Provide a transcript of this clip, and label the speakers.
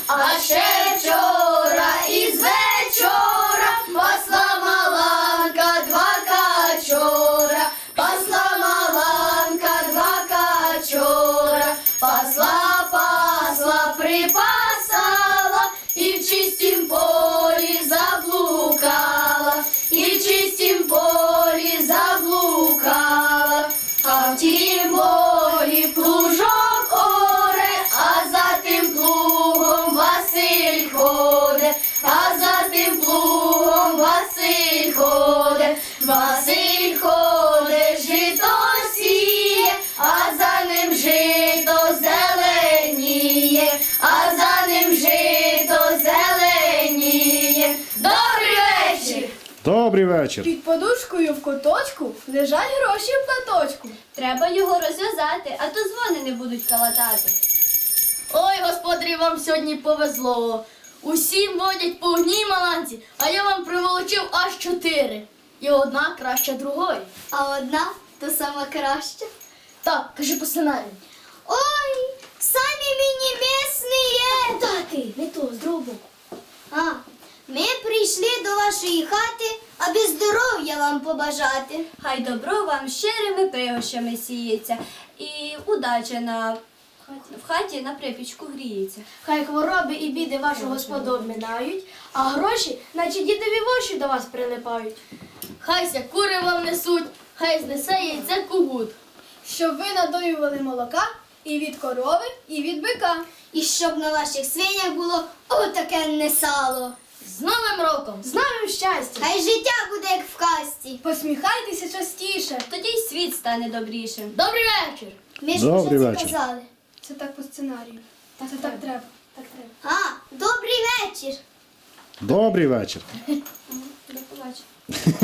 Speaker 1: А ще вчора із вечора пасла Маланка два качора, пасла Маланка два качора, пасла, пасла, припасала і в чистім полі заблукала, і в чистім полі заблукала, а в тім полі плужок оре, а за тим плугом Василь ходить, а за тим плугом Василь ходить, Василь ходить, жито сіє, а за ним жито зеленіє, а за ним жито зеленіє. Добрий вечір!
Speaker 2: Добрий вечір.
Speaker 3: Під подушкою в куточку лежать гроші в платочку.
Speaker 1: Треба його розв'язати, а то дзвони не будуть калатати. Ой, господарі, вам сьогодні повезло. Усім водять по одній Маланці, а я вам приволочив аж 4. І одна краща другої.
Speaker 4: А одна то сама краща.
Speaker 1: Так, кажи по сценарію.
Speaker 4: Ой, самі мені місні.
Speaker 1: Тати, не то, з другого боку.
Speaker 4: А, ми прийшли до вашої хати, аби здоров'я вам побажати.
Speaker 5: Хай добро вам щирими пригощами сіється, і удача в хаті на припічку гріється.
Speaker 3: Хай хвороби і біди вашу господу обминають, а гроші, наче дідові воші до вас прилипають.
Speaker 1: Хайся кури вам несуть, хай знесе яйце кугут.
Speaker 3: Щоб ви надоювали молока і від корови, і від бика.
Speaker 4: І щоб на ваших свинях було отаке сало.
Speaker 1: З Новим роком!
Speaker 3: З новим щастям!
Speaker 4: Хай життя буде, як в казці.
Speaker 3: Посміхайтеся частіше.
Speaker 5: Тоді й світ стане добрішим.
Speaker 1: Добрий вечір!
Speaker 4: Ми ж
Speaker 2: Добрий
Speaker 4: вже це
Speaker 2: вечір.
Speaker 4: казали.
Speaker 3: Це так по сценарію. Це так треба. Так треба.
Speaker 4: А, добрий вечір.
Speaker 2: Добрий вечір.
Speaker 5: До побачення.